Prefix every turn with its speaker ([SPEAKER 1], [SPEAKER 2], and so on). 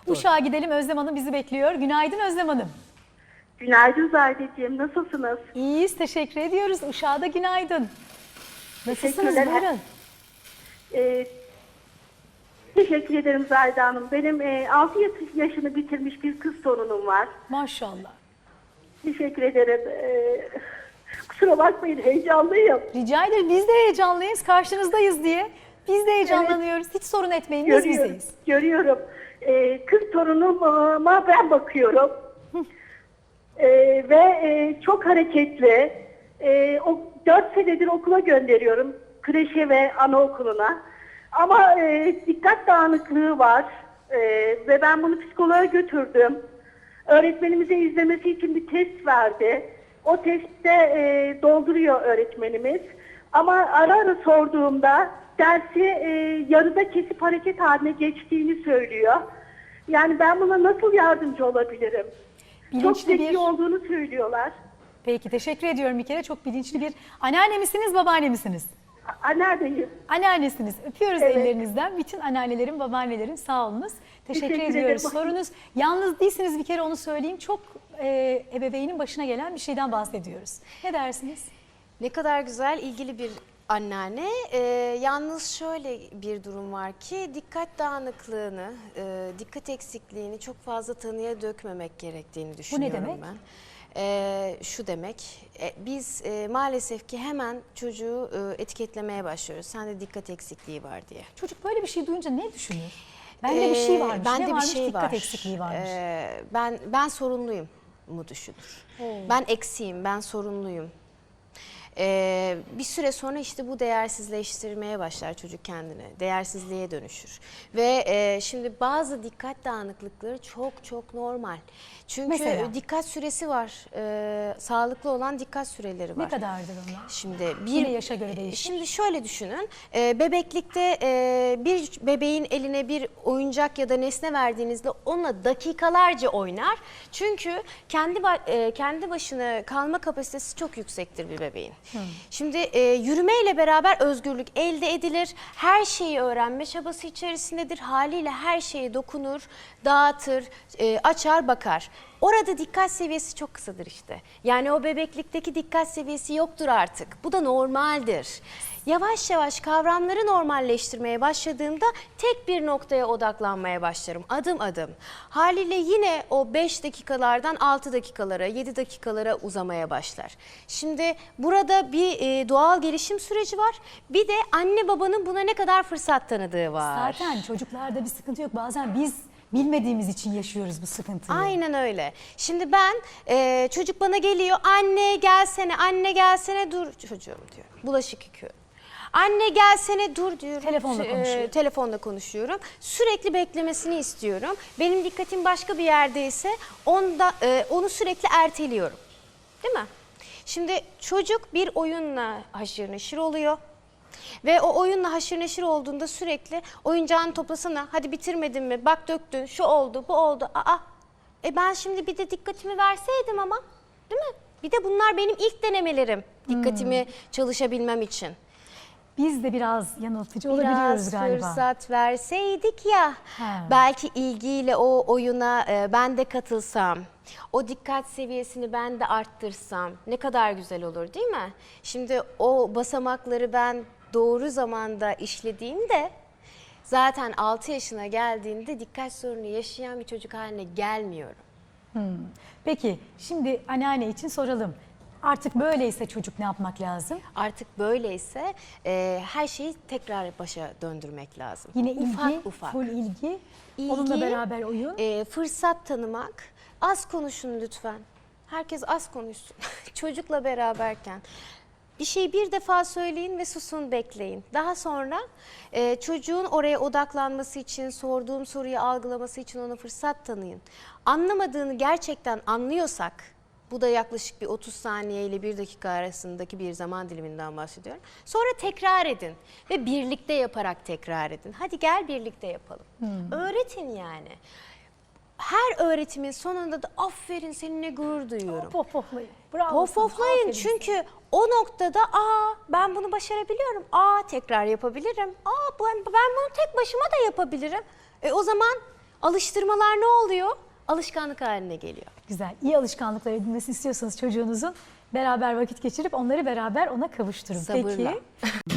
[SPEAKER 1] Uşak'a gidelim, Özlem Hanım bizi bekliyor. Günaydın Özlem Hanım.
[SPEAKER 2] Günaydın Zahideciğim, nasılsınız?
[SPEAKER 1] İyiyiz, teşekkür ediyoruz. Uşak'a da günaydın. Nasılsınız?
[SPEAKER 2] Teşekkürler.
[SPEAKER 1] Buyurun.
[SPEAKER 2] Teşekkür ederim Zahide Hanım. Benim 6 yaşını bitirmiş bir kız torunum var.
[SPEAKER 1] Maşallah.
[SPEAKER 2] Teşekkür ederim. Kusura bakmayın, heyecanlıyım.
[SPEAKER 1] Rica ederim, biz de heyecanlıyız. Karşınızdayız diye. Biz de heyecanlanıyoruz. Hiç sorun etmeyin, biz bizdeyiz.
[SPEAKER 2] Görüyorum. Kız torunuma ben bakıyorum. Ve çok hareketli. O 4 senedir okula gönderiyorum. Kreşe ve anaokuluna. Ama dikkat dağınıklığı var. Ve ben bunu psikoloğa götürdüm. Öğretmenimize izlemesi için bir test verdi. O testte dolduruyor öğretmenimiz. Ama ara ara sorduğumda dersi yarıda kesip hareket haline geçtiğini söylüyor. Yani ben buna nasıl yardımcı olabilirim? Çok zeki olduğunu söylüyorlar.
[SPEAKER 1] Peki, teşekkür ediyorum bir kere. Çok bilinçli bir anneanne misiniz, babaanne misiniz?
[SPEAKER 2] Anneanneyim.
[SPEAKER 1] Anneannesiniz. Öpüyoruz
[SPEAKER 2] Evet.
[SPEAKER 1] ellerinizden. Bütün anneannelerin, babaannelerin sağ olunuz. Teşekkür ediyoruz.
[SPEAKER 2] ederim.
[SPEAKER 1] Sorunuz, yalnız değilsiniz, bir kere onu söyleyeyim. Çok ebeveynin başına gelen bir şeyden bahsediyoruz. Ne dersiniz?
[SPEAKER 3] Ne kadar güzel, ilgili bir anneanne. Yalnız şöyle bir durum var ki dikkat dağınıklığını, dikkat eksikliğini çok fazla tanıya dökmemek gerektiğini düşünüyorum
[SPEAKER 1] demek?
[SPEAKER 3] ben. Şu demek, biz maalesef ki hemen çocuğu etiketlemeye başlıyoruz. Sende dikkat eksikliği var diye.
[SPEAKER 1] Çocuk böyle bir şey duyunca ne düşünür? Bende bir şey varmış.
[SPEAKER 3] Bende
[SPEAKER 1] Ne
[SPEAKER 3] bir
[SPEAKER 1] varmış?
[SPEAKER 3] şey
[SPEAKER 1] Dikkat
[SPEAKER 3] var.
[SPEAKER 1] eksikliği varmış.
[SPEAKER 3] Ben sorunluyum mu düşünür. Ben eksiğim, ben sorunluyum. Bir süre sonra işte bu değersizleştirmeye başlar çocuk kendini. Değersizliğe dönüşür. Ve şimdi bazı dikkat dağınıklıkları çok normal. Çünkü
[SPEAKER 1] Mesela?
[SPEAKER 3] dikkat süresi var. Sağlıklı olan dikkat süreleri var.
[SPEAKER 1] Ne kadardır onlar?
[SPEAKER 3] Şimdi
[SPEAKER 1] Yine yaşa göre değişir.
[SPEAKER 3] Şimdi şöyle düşünün. Bebeklikte bir bebeğin eline bir oyuncak ya da nesne verdiğinizde onunla dakikalarca oynar. Çünkü kendi başına kalma kapasitesi çok yüksektir bir bebeğin. Şimdi yürümeyle beraber özgürlük elde edilir. Her şeyi öğrenme çabası içerisindedir. Haliyle her şeye dokunur, dağıtır, açar, bakar. Orada dikkat seviyesi çok kısadır işte. Yani o bebeklikteki dikkat seviyesi yoktur artık. Bu da normaldir. Yavaş yavaş kavramları normalleştirmeye başladığımda tek bir noktaya odaklanmaya başlarım. Adım adım. Haliyle yine o 5 dakikalardan 6 dakikalara, 7 dakikalara uzamaya başlar. Şimdi burada bir doğal gelişim süreci var. Bir de anne babanın buna ne kadar fırsat tanıdığı var.
[SPEAKER 1] Zaten çocuklarda bir sıkıntı yok. Bazen biz bilmediğimiz için yaşıyoruz bu sıkıntıyı.
[SPEAKER 3] Aynen öyle. Şimdi ben çocuk bana geliyor, anne gelsene dur çocuğum diyor. Bulaşık yıkıyorum. Anne gelsene dur diyorum.
[SPEAKER 1] Telefonla konuşuyor.
[SPEAKER 3] Telefonla konuşuyorum. Sürekli beklemesini istiyorum. Benim dikkatim başka bir yerdeyse onu sürekli erteliyorum. Değil mi? Şimdi çocuk bir oyunla haşır neşir oluyor. Ve o oyunla haşır neşir olduğunda sürekli oyuncağını toplasana, hadi bitirmedin mi, bak döktün, şu oldu, bu oldu. Ben şimdi bir de dikkatimi verseydim ama, değil mi? Bir de bunlar benim ilk denemelerim, dikkatimi çalışabilmem için.
[SPEAKER 1] Biz de biraz yanıltıcı olabiliyoruz galiba.
[SPEAKER 3] Biraz fırsat verseydik ya, belki ilgiyle o oyuna ben de katılsam, o dikkat seviyesini ben de arttırsam ne kadar güzel olur değil mi? Şimdi o basamakları ben doğru zamanda işlediğimde zaten 6 yaşına geldiğinde dikkat sorunu yaşayan bir çocuk haline gelmiyorum.
[SPEAKER 1] Peki şimdi anneanne için soralım. Artık böyleyse çocuk ne yapmak lazım?
[SPEAKER 3] Artık böyleyse her şeyi tekrar başa döndürmek lazım.
[SPEAKER 1] Yine ilgi,
[SPEAKER 3] ufak.
[SPEAKER 1] full ilgi, onunla beraber oyun.
[SPEAKER 3] Fırsat tanımak. Az konuşun lütfen. Herkes az konuşsun. Çocukla beraberken. Bir şeyi bir defa söyleyin ve susun, bekleyin. Daha sonra çocuğun oraya odaklanması için, sorduğum soruyu algılaması için ona fırsat tanıyın. Anlamadığını gerçekten anlıyorsak, bu da yaklaşık bir 30 saniye ile 1 dakika arasındaki bir zaman diliminden bahsediyorum. Sonra tekrar edin ve birlikte yaparak tekrar edin. Hadi gel birlikte yapalım. Öğretin yani. Her öğretimin sonunda da aferin seninle gurur duyuyorum.
[SPEAKER 1] Pohpohlayın. Bravo.
[SPEAKER 3] Pohpohlayın çünkü o noktada ben bunu başarabiliyorum. Tekrar yapabilirim. Ben bunu tek başıma da yapabilirim. O zaman Alıştırmalar ne oluyor? Alışkanlık haline geliyor.
[SPEAKER 1] Güzel. İyi alışkanlıklar edinmesini istiyorsanız çocuğunuzun beraber vakit geçirip onları beraber ona kavuşturun.
[SPEAKER 3] Sabırla.
[SPEAKER 1] Peki.